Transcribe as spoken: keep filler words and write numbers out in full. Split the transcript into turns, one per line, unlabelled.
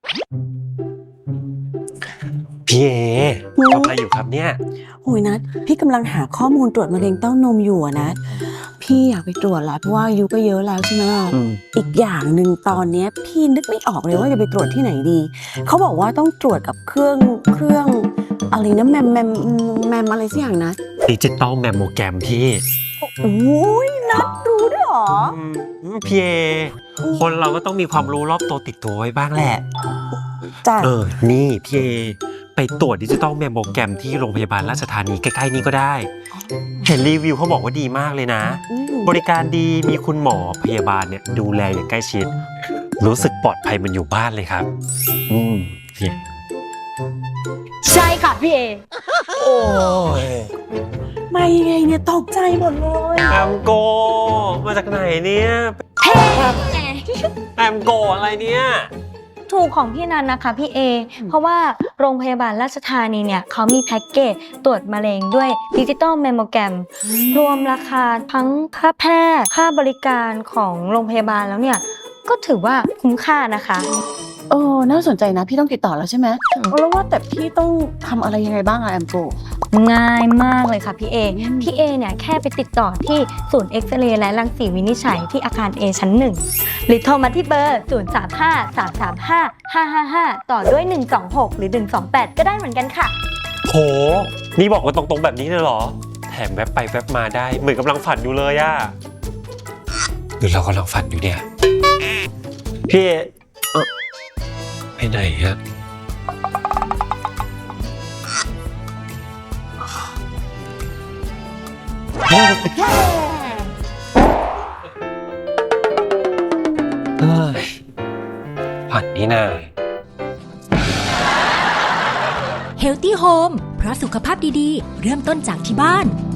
พี่เอทำอะไรอยู่ครับเนี่ย
โอ้ยนัดพี่กำลังหาข้อมูลตรวจมะเร็งเต้านมอยู่อะนะพี่อยากไปตรวจแล้วเพราะว่าอายุก็เยอะแล้วใช่ไหมอีกอย่างหนึ่งตอนนี้พี่นึกไม่ออกเลยว่าจะไปตรวจที่ไหนดีเขาบอกว่าต้องตรวจกับเครื่องเครื่องอะไรนะแมมแมมแมมอะไรสักอย่างนะ
ดิจิตอลแมมโมแกรมพี่
โอ้ยนัดรู้ด้วยหรอ
พี่เอคนเราก็ต้องมีความรู้รอบตัวติดตัวไว้บ้างแหละ
จ้ะ
เออนี่พี่เอไปตรวจดิจิตอลแมมโมแกรมที่โรงพยาบาลราชธานีใกล้ๆนี้ก็ได้เห็นรีวิวเขาบอกว่าดีมากเลยนะบริการดีมีคุณหมอพยาบาลเนี่ยดูแลอย่างใกล้ชิดรู้สึกปลอดภัยมันอยู่บ้านเลยครับอืมพี่
ใช่ค่ะพี่เอ
โอ้ย
มายังไงเนี่ยตกใจหมดเลย
แอมโกมาจากไหนเนี่ยแอมโกอะไรเนี่ย
ถูกของพี่นันนะคะพี่เอเพราะว่าโรงพยาบาลราชธานีเนี่ยเขามีแพ็กเกจตรวจมะเร็งด้วยดิจิตอลแมมโมแกรมรวมราคาทั้งค่าแพทย์ค่าบริการของโรงพยาบาลแล้วเนี่ยก็ถือว่าคุ้มค่านะคะ
เออน่าสนใจนะพี่ต้องติดต่อแล้วใช่ไหมแล้วว่าแต่พี่ต้องทำอะไรยังไงบ้างอะแอมโก
ง่ายมากเลยค่ะพี่เอพี่เอเนี่ยแค่ไปติดต่อที่ศูนย์เอ็กซเรย์และรังสีวินิจฉัยที่อาคาร A ชั้นหนึ่งหรือโทรมาที่เบอร์ ศูนย์ สาม ห้า สาม สาม ห้า ห้า ห้า ห้า ต่อด้วย หนึ่ง สอง หก หรือ หนึ่ง สอง แปด ก็ได้เหมือนกันค่ะ
โหนี่บอกว่าตรงๆแบบนี้เลยเหรอแถมแวบไปแวบมาได้เหมือนกำลังฝันอยู่เลยอะหรือเรากำลังฝันอยู่เนี่ยพี่เออไปไหนฮะเฮ้ยฝันนี่นา
Healthy Home เพราะสุขภาพดีๆเริ่มต้นจากที่บ้าน